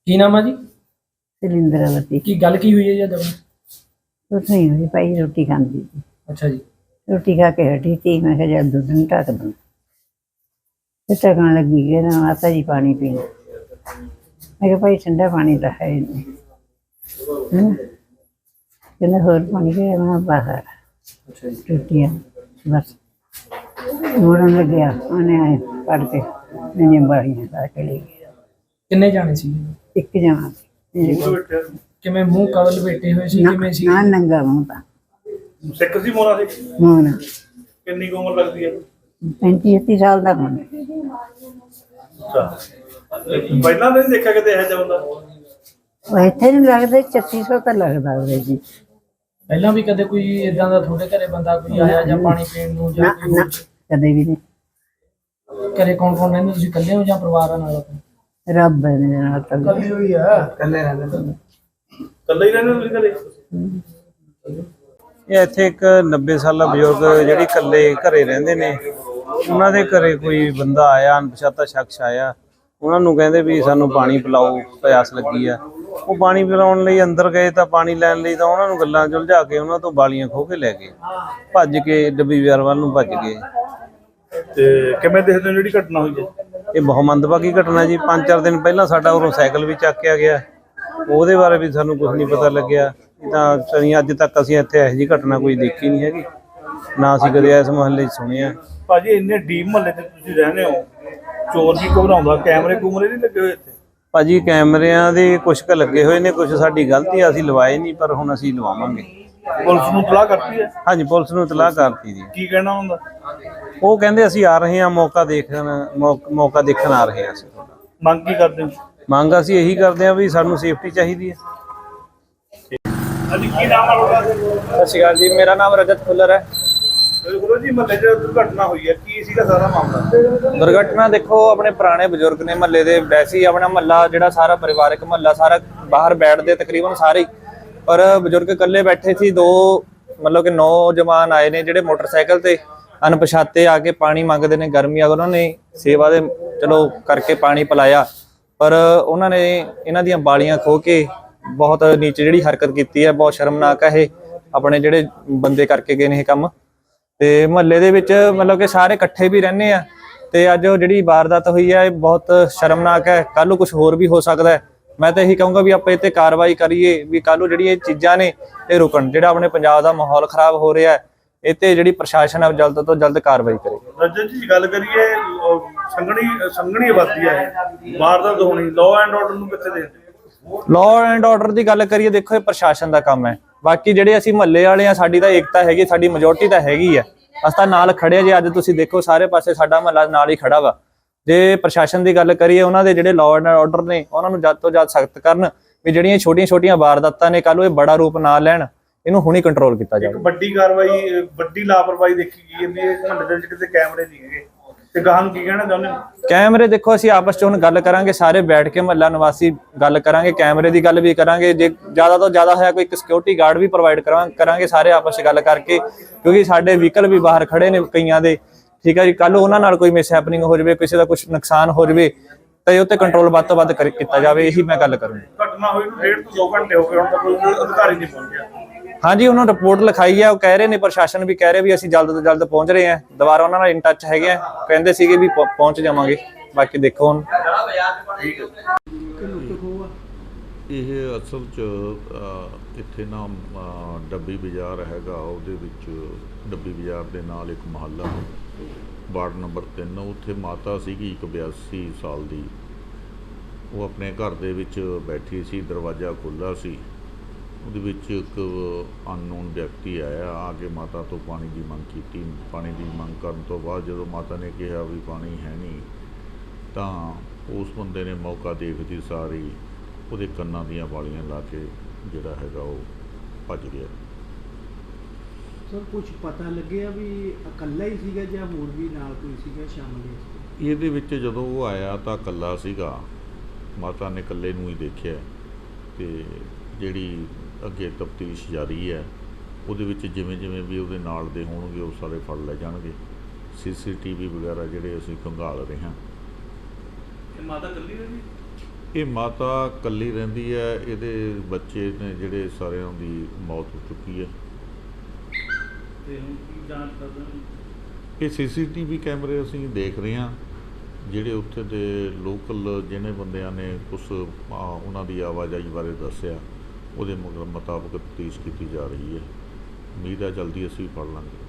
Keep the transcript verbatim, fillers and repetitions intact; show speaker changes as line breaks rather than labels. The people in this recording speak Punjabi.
ਕੀ ਨਾਮ ਆ ਜੀ?
सिलिंदरावती
ਕੀ ਗੱਲ ਕੀ ਹੋਈ ਹੈ ਜੀ? जब
कुछ नहीं हुई भाई, रोटी खाती थी।
अच्छा जी।
रोटी खा के हटी थी, मैं कहा जब दूध न ढक दूँ तो ढकन लगी गई ना माता जी पानी पीना। मैं कहा भाई ठंडा पानी तो है ही नहीं, कहना होर पानी के मैं बाहर
अच्छा जी।
रोटियाँ बस मोड़न लग गया, उन्हें आए पढ़ के मैंने बाड़ियाँ ला के ले गया।
ਕਿੰਨੇ ਜਾਣੇ ਸੀ?
एक जना
ਕਿਵੇਂ ਮੂੰਹ ਕਵਲ ਬੈਠੇ ਹੋਏ ਸੀ? ਕਿਵੇਂ ਸੀ?
ना नंगा मुँह था
ਸਿੱਖ ਸੀ ਮੋਨਾ ਸੀ।
मोना
ਕਿੰਨੀ ਕੁ ਉਮਰ ਲੱਗਦੀ ਹੈ?
पैंती छत्ती साल का होना।
ਅੱਛਾ, ਪਹਿਲਾਂ ਤਾਂ ਨਹੀਂ ਦੇਖਿਆ ਕਿਤੇ ਇਹੋ ਜਿਹਾ ਹੁੰਦਾ।
ਉਹ ਇੱਥੇ ਨਹੀਂ ਲੱਗਦਾ, ਛੱਤੀ ਸੌ ਤਾਂ ਲੱਗਦਾ ਹੋਵੇ ਜੀ।
ਪਹਿਲਾਂ ਵੀ ਕਦੇ ਕੋਈ ਇਦਾਂ ਦਾ ਤੁਹਾਡੇ ਘਰੇ ਬੰਦਾ ਕੋਈ ਆਇਆ ਜਾਂ ਪਾਣੀ ਪੀਣ ਨੂੰ ਜਾਂ
ਨਾ
ਕੋਈ
ਨਾ
ਹੋਰ?
ਕਦੇ ਵੀ ਨਹੀਂ।
ਘਰੇ ਕੌਣ ਕੌਣ ਰਹਿੰਦੇ? ਤੁਸੀਂ ਇਕੱਲੇ ਹੋ ਜਾਂ ਪਰਿਵਾਰ ਨਾਲ?
ਰੱਬ ਨੇ ਨਾਲ ਤਾਂ
ਇਕੱਲੇ ਹੋਈ ਆ। ਇਕੱਲੇ ਰਹਿੰਦੇ?
ਇਕੱਲੇ ਹੀ ਰਹਿੰਦੇ ਤੁਸੀਂ ਘਰੇ?
ਇਹ ਇੱਥੇ ਇੱਕ ਨੱਬੇ ਸਾਲਾ ਬਜ਼ੁਰਗ ਜਿਹੜੇ ਇਕੱਲੇ ਘਰੇ ਰਹਿੰਦੇ ਨੇ, ਉਹਨਾਂ ਦੇ ਘਰੇ ਕੋਈ ਬੰਦਾ ਆਇਆ, ਅਣਪਛਾਤਾ ਸ਼ਖਸ ਆਇਆ। ਉਹਨਾਂ ਨੂੰ ਕਹਿੰਦੇ ਵੀ ਸਾਨੂੰ ਪਾਣੀ ਪਿਲਾਓ, ਪਿਆਸ ਲੱਗੀ ਆ। ਉਹ ਪਾਣੀ ਪਿਲਾਉਣ ਲਈ ਅੰਦਰ ਗਏ ਤਾਂ ਪਾਣੀ ਲੈਣ ਲਈ ਤਾਂ ਉਹਨਾਂ ਨੂੰ ਗੱਲਾਂ 'ਚ ਉਲਝਾ ਕੇ ਉਹਨਾਂ ਤੋਂ ਬਾਲੀਆਂ ਖੋਹ ਕੇ ਲੈ ਗਏ, ਭੱਜ ਕੇ ਡੱਬੀ ਬਾਜ਼ਾਰ ਵੱਲ ਨੂੰ ਭੱਜ ਗਏ।
ਤੇ ਕਿਵੇਂ ਦੇਖਦੇ ਹੋ ਜਿਹੜੀ ਘਟਨਾ ਹੋਈ ਹੈ?
ਇਹ ਬਹੁਤ ਮੰਦਭਾਗੀ ਘਟਨਾ ਜੀ। ਪੰਜ ਚਾਰ ਦਿਨ ਪਹਿਲਾਂ ਸਾਡਾ ਉਰੋਂ ਸਾਈਕਲ ਵੀ ਚੱਕਿਆ ਗਿਆ, ਉਹਦੇ ਬਾਰੇ ਵੀ ਸਾਨੂੰ ਕੁਝ ਨਹੀਂ ਪਤਾ ਲੱਗਿਆ। ਤਾਂ ਸਨੀ ਅੱਜ ਤੱਕ ਅਸੀਂ ਇੱਥੇ ਇਹੋ ਜਿਹੀ ਘਟਨਾ ਕੋਈ ਦੇਖੀ ਨਹੀਂ ਹੈਗੀ, ਨਾ ਅਸੀਂ ਕਦੇ ਇਸ ਮੁਹੱਲੇ 'ਚ ਸੁਣਿਆ।
ਭਾਜੀ ਇੰਨੇ ਡੀਪ ਮਹੱਲੇ 'ਚ ਤੁਸੀਂ ਰਹਿੰਦੇ ਹੋ, ਚੋਰ ਵੀ ਘਬਰਾਉਂਦਾ, ਕੈਮਰੇ ਕੂਮਰੇ ਨਹੀਂ ਲੱਗੇ ਹੋਏ ਇੱਥੇ?
ਭਾਜੀ ਕੈਮਰਿਆਂ ਦੇ ਕੁਛ ਕੁ ਲੱਗੇ ਹੋਏ ਨੇ, ਕੁਛ ਸਾਡੀ ਗਲਤੀ ਆ, ਅਸੀਂ ਲਵਾਏ ਨਹੀਂ, ਪਰ ਹੁਣ ਅਸੀਂ ਲਵਾਵਾਂਗੇ।
ਪੁਲਿਸ ਨੂੰ ਇਤਲਾਹ ਕਰਤੀ ਹੈ?
ਹਾਂਜੀ, ਪੁਲਿਸ ਨੂੰ ਇਤਲਾਹ ਕਰਤੀ ਜੀ।
ਕੀ ਕਹਿਣਾ ਹੁੰਦਾ?
ਉਹ ਕਹਿੰਦੇ ਅਸੀਂ ਆ ਰਹੇ ਹਾਂ, ਮੌਕਾ ਦੇਖਣ ਮੌਕ- ਮੌਕਾ ਦੇਖਣ ਆ ਰਹੇ ਹਾਂ ਅਸੀਂ।
ਮੰਗ ਕੀ ਕਰਦੇ ਹੋ?
ਮੰਗ ਅਸੀਂ ਇਹੀ ਕਰਦੇ ਹਾਂ ਵੀ ਸਾਨੂੰ ਸੇਫਟੀ ਚਾਹੀਦੀ ਹੈ।
ਹਾਂਜੀ, ਕੀ ਨਾਮ ਆ ਤੁਹਾਡਾ?
ਸਤਿ ਸ਼੍ਰੀ ਅਕਾਲ ਜੀ, ਮੇਰਾ ਨਾਮ ਰਜਤ ਖੁੱਲਰ ਹੈ।
ਗੁਰੂ ਜੀ, ਮਹੱਲੇ 'ਚ ਦੁਰਘਟਨਾ ਹੋਈ ਹੈ, ਕੀ ਸੀਗਾ ਸਾਰਾ ਮਾਮਲਾ?
ਦੁਰਘਟਨਾ ਦੇਖੋ, ਆਪਣੇ ਪੁਰਾਣੇ ਬਜ਼ੁਰਗ ਨੇ ਮਹੱਲੇ ਦੇ, ਵੈਸੇ ਹੀ ਆਪਣਾ ਮਹੱਲਾ ਜਿਹੜਾ ਸਾਰਾ ਪਰਿਵਾਰਕ ਮਹੱਲਾ ਸਾਰਾ ਬਾਹਰ ਬੈਠਦੇ ਤਕਰੀਬਨ ਸਾਰੇ ਹੀ, ਪਰ ਬਜ਼ੁਰਗ ਇਕੱਲੇ ਬੈਠੇ ਸੀ। ਦੋ ਮਤਲਬ ਕਿ ਨੌਜਵਾਨ ਆਏ ਨੇ ਜਿਹੜੇ ਮੋਟਰਸਾਈਕਲ ਤੇ ਅਣਪਛਾਤੇ ਆ ਕੇ ਪਾਣੀ ਮੰਗਦੇ ਨੇ। ਗਰਮੀ ਆ, ਉਹਨਾਂ ਨੇ ਸੇਵਾ ਦੇ ਚਲੋ ਕਰਕੇ ਪਾਣੀ ਪਿਲਾਇਆ, ਪਰ ਉਹਨਾਂ ਨੇ ਇਹਨਾਂ ਦੀਆਂ ਬਾਲੀਆਂ ਖੋਹ ਕੇ ਬਹੁਤ ਨੀਚ ਜਿਹੜੀ ਹਰਕਤ ਕੀਤੀ ਹੈ, ਬਹੁਤ ਸ਼ਰਮਨਾਕ ਹੈ ਇਹ। ਆਪਣੇ ਜਿਹੜੇ ਬੰਦੇ ਕਰਕੇ ਗਏ ਨੇ ਇਹ ਕੰਮ, ਤੇ ਮਹੱਲੇ ਦੇ ਵਿੱਚ ਮਤਲਬ ਕਿ ਸਾਰੇ ਇਕੱਠੇ ਵੀ ਰਹਿੰਦੇ ਆ, ਤੇ ਅੱਜ ਉਹ ਜਿਹੜੀ ਵਾਰਦਾਤ ਹੋਈ ਹੈ ਇਹ ਬਹੁਤ ਸ਼ਰਮਨਾਕ ਹੈ। ਕੱਲ ਨੂੰ ਕੁਝ ਹੋਰ ਵੀ ਹੋ ਸਕਦਾ ਹੈ। ਮੈਂ ਤਾਂ ਇਹੀ ਕਹੂੰਗਾ ਵੀ ਆਪਾਂ ਇਹ ਤੇ ਕਾਰਵਾਈ ਕਰੀਏ, ਵੀ ਕੱਲ ਨੂੰ ਜਿਹੜੀ ਇਹ ਚੀਜ਼ਾਂ ਨੇ ਇਹ ਰੁਕਣ। ਜਿਹੜਾ ਆਪਣੇ ਪੰਜਾਬ ਦਾ ਮਾਹੌਲ ਖਰਾਬ ਹੋ ਰਿਹਾ ਹੈ, ਇਹ ਤੇ ਜਿਹੜੀ ਪ੍ਰਸ਼ਾਸਨ ਹੈ ਜਲਦ ਤੋਂ ਜਲਦ ਕਾਰਵਾਈ ਕਰੇ।
ਰਜਤ ਜੀ, ਗੱਲ ਕਰੀਏ ਸੰਘਣੀ ਸੰਘਣੀ ਆਬਾਦੀ ਹੈ, ਵਾਰਦਾਤ ਹੋਣੀ, ਲਾਅ ਐਂਡ ਆਰਡਰ ਨੂੰ ਕਿੱਥੇ ਦੇਖਦੇ?
ਲਾਅ ਐਂਡ ਆਰਡਰ ਦੀ ਗੱਲ ਕਰੀਏ, ਦੇਖੋ ਇਹ ਪ੍ਰਸ਼ਾਸਨ ਦਾ ਕੰਮ ਹੈ। ਬਾਕੀ ਜਿਹੜੇ ਅਸੀਂ ਮਹੱਲੇ ਵਾਲੇ ਆ, ਸਾਡੀ ਤਾਂ ਏਕਤਾ ਹੈਗੀ, ਸਾਡੀ ਮੈਜੋਰਟੀ ਤਾਂ ਹੈਗੀ ਆ, ਅਸੀਂ ਤਾਂ ਨਾਲ ਖੜੇ ਆ ਜੀ। ਅੱਜ ਤੁਸੀਂ ਦੇਖੋ ਸਾਰੇ ਪਾਸੇ ਸਾਡਾ ਮਹੱਲਾ ਨਾਲ ਹੀ ਖੜਾ ਵਾ। ਜੇ ਪ੍ਰਸ਼ਾਸਨ ਦੀ ਗੱਲ ਕਰੀਏ, ਉਹਨਾਂ ਦੇ ਜਿਹੜੇ ਲਾਅ ਐਂਡ ਆਰਡਰ ਨੇ ਉਹਨਾਂ ਨੂੰ ਜਦ ਤੋਂ ਜਦ ਸਖਤ ਕਰਨ, ਵੀ ਜਿਹੜੀਆਂ ਛੋਟੀਆਂ ਛੋਟੀਆਂ ਵਾਰਦਾਤਾਂ ਨੇ ਕੱਲ ਨੂੰ ਇਹ ਬੜਾ ਰੂਪ ਨਾ ਲੈਣ, ਇਹਨੂੰ ਹੁਣੀ ਕੰਟਰੋਲ ਕੀਤਾ ਜਾਵੇ।
ਵੱਡੀ ਕਾਰਵਾਈ, ਵੱਡੀ ਲਾਪਰਵਾਹੀ ਦੇਖੀ ਗਈ ਹੈ ਵੀ ਇਹ ਮਹੱਲੇ ਦੇ ਵਿੱਚ ਕਿਤੇ ਕੈਮਰੇ ਨਹੀਂ ਹੈਗੇ, ਤੇ ਗਾਹਾਂ ਨੂੰ ਕੀ ਕਹਿਣਾ ਚਾਹੁੰਦੇ ਹੋ?
ਕੈਮਰੇ ਦੇਖੋ, ਅਸੀਂ ਆਪਸ ਚ ਹੁਣ ਗੱਲ ਕਰਾਂਗੇ, ਸਾਰੇ ਬੈਠ ਕੇ ਮਹੱਲਾ ਨਿਵਾਸੀ ਗੱਲ ਕਰਾਂਗੇ, ਕੈਮਰੇ ਦੀ ਗੱਲ ਵੀ ਕਰਾਂਗੇ। ਜੇ ਜ਼ਿਆਦਾ ਤੋਂ ਜ਼ਿਆਦਾ ਹੋਇਆ ਕੋਈ ਇੱਕ ਸਿਕਿਉਰਿਟੀ ਗਾਰਡ ਵੀ ਪ੍ਰੋਵਾਈਡ ਕਰਾਂਗੇ ਸਾਰੇ ਆਪਸ ਚ ਗੱਲ ਕਰਕੇ, ਕਿਉਂਕਿ ਸਾਡੇ ਵਹੀਕਲ ਵੀ ਬਾਹਰ ਖੜੇ ਨੇ ਕਈਆਂ ਦੇ। ਠੀਕ ਹੈ ਜੀ, ਕੱਲ ਉਹਨਾਂ ਨਾਲ ਕੋਈ ਮਿਸ ਹੈਪਨਿੰਗ ਹੋ ਜਾਵੇ, ਕਿਸੇ ਦਾ ਕੁਝ ਨੁਕਸਾਨ ਹੋ ਜਾਵੇ, ਤਾਂ ਇਹ ਉੱਤੇ ਕੰਟਰੋਲ ਵੱਧ ਤੋਂ ਵੱਧ ਕੀਤਾ ਜਾਵੇ। ਇਹੀ ਮੈਂ ਗੱਲ ਕਰੂੰਗਾ।
ਘਟਨਾ ਹੋਈ ਨੂੰ ਡੇਢ ਤੋਂ ਦੋ ਘੰਟੇ ਹੋ ਗਏ, ਹੁਣ ਤੱਕ ਕੋਈ ਅਧਿਕਾਰੀ ਨਹੀਂ ਪਹੁੰਚਿਆ।
ਹਾਂਜੀ, ਉਹਨਾਂ ਰਿਪੋਰਟ ਲਿਖਾਈ ਹੈ, ਉਹ ਕਹਿ ਰਹੇ ਨੇ, ਪ੍ਰਸ਼ਾਸਨ ਵੀ ਕਹਿ ਰਿਹਾ ਵੀ ਅਸੀਂ ਜਲਦ ਤੋਂ ਜਲਦ ਪਹੁੰਚ ਰਹੇ ਹਾਂ। ਦੁਬਾਰਾ ਉਹਨਾਂ ਨਾਲ ਇਨ ਟੱਚ ਹੈਗੇ ਆ, ਕਹਿੰਦੇ ਸੀਗੇ ਵੀ ਪਹੁੰਚ ਜਾਵਾਂਗੇ। ਬਾਕੀ ਦੇਖੋ ਹੁਣ।
ਇਹ ਅਸਲ 'ਚ ਇੱਥੇ ਨਾ ਡੱਬੀ ਬਾਜ਼ਾਰ ਹੈਗਾ, ਉਹਦੇ ਵਿੱਚ ਡੱਬੀ ਬਾਜ਼ਾਰ ਦੇ ਨਾਲ ਇੱਕ ਮੁਹੱਲਾ ਵਾਰਡ ਨੰਬਰ ਤਿੰਨ, ਉੱਥੇ ਮਾਤਾ ਸੀਗੀ ਇੱਕ ਬਿਆਸੀ ਸਾਲ ਦੀ। ਉਹ ਆਪਣੇ ਘਰ ਦੇ ਵਿੱਚ ਬੈਠੀ ਸੀ, ਦਰਵਾਜ਼ਾ ਖੁੱਲ੍ਹਾ ਸੀ। ਉਹਦੇ ਵਿੱਚ ਇੱਕ ਅਨਨੋਨ ਵਿਅਕਤੀ ਆਇਆ, ਆ ਕੇ ਮਾਤਾ ਤੋਂ ਪਾਣੀ ਦੀ ਮੰਗ ਕੀਤੀ। ਪਾਣੀ ਦੀ ਮੰਗ ਕਰਨ ਤੋਂ ਬਾਅਦ ਜਦੋਂ ਮਾਤਾ ਨੇ ਕਿਹਾ ਵੀ ਪਾਣੀ ਹੈ ਨਹੀਂ, ਤਾਂ ਉਸ ਬੰਦੇ ਨੇ ਮੌਕਾ ਦੇਖਦੀ ਸਾਰੀ ਉਹਦੇ ਕੰਨਾਂ ਦੀਆਂ ਵਾਲੀਆਂ ਲਾ ਕੇ ਜਿਹੜਾ ਹੈਗਾ ਉਹ ਭੱਜ ਗਿਆ।
ਸਰ, ਕੁਝ ਪਤਾ ਲੱਗਿਆ ਵੀ ਇਕੱਲਾ ਹੀ ਸੀਗਾ ਜਾਂ ਹੋਰ ਵੀ ਨਾਲ ਕੋਈ ਸੀਗਾ ਸ਼ਾਮਲ?
ਇਹਦੇ ਵਿੱਚ ਜਦੋਂ ਉਹ ਆਇਆ ਤਾਂ ਇਕੱਲਾ ਸੀਗਾ, ਮਾਤਾ ਨੇ ਇਕੱਲੇ ਨੂੰ ਹੀ ਦੇਖਿਆ। ਤੇ ਜਿਹੜੀ ਅੱਗੇ ਤਫਤੀਸ਼ ਜਾਰੀ ਹੈ, ਉਹਦੇ ਵਿੱਚ ਜਿਵੇਂ ਜਿਵੇਂ ਵੀ ਉਹਦੇ ਨਾਲ ਦੇ ਹੋਣਗੇ ਉਹ ਸਾਰੇ ਫੜ ਲੈ ਜਾਣਗੇ। ਸੀ ਸੀ ਟੀ ਵੀ ਵਗੈਰਾ ਜਿਹੜੇ ਅਸੀਂ ਖੰਗਾਲ ਰਹੇ ਹਾਂ।
ਮਾਤਾ ਇਕੱਲੀ ਰਹੀ?
ਇਹ ਮਾਤਾ ਇਕੱਲੀ ਰਹਿੰਦੀ ਹੈ, ਇਹਦੇ ਬੱਚੇ ਨੇ ਜਿਹੜੇ ਸਾਰਿਆਂ ਦੀ ਮੌਤ ਹੋ ਚੁੱਕੀ ਹੈ।
ਤੇ ਹੁਣ ਕੀ ਜਾਂਚ ਕਰਦੇ ਹੋ?
ਇਹ ਸੀਸੀਟੀਵੀ ਕੈਮਰੇ ਅਸੀਂ ਦੇਖ ਰਹੇ ਹਾਂ, ਜਿਹੜੇ ਉੱਥੇ ਦੇ ਲੋਕਲ ਜਿਹਨੇ ਬੰਦਿਆਂ ਨੇ ਕੁਛ ਆ, ਉਹਨਾਂ ਦੀ ਆਵਾਜਾਈ ਬਾਰੇ ਦੱਸਿਆ, ਉਹਦੇ ਮੁਤਾਬਕ ਤਫਤੀਸ਼ ਕੀਤੀ ਜਾ ਰਹੀ ਹੈ। ਉਮੀਦ ਹੈ ਜਲਦੀ ਅਸੀਂ ਫੜ ਲਾਂਗੇ।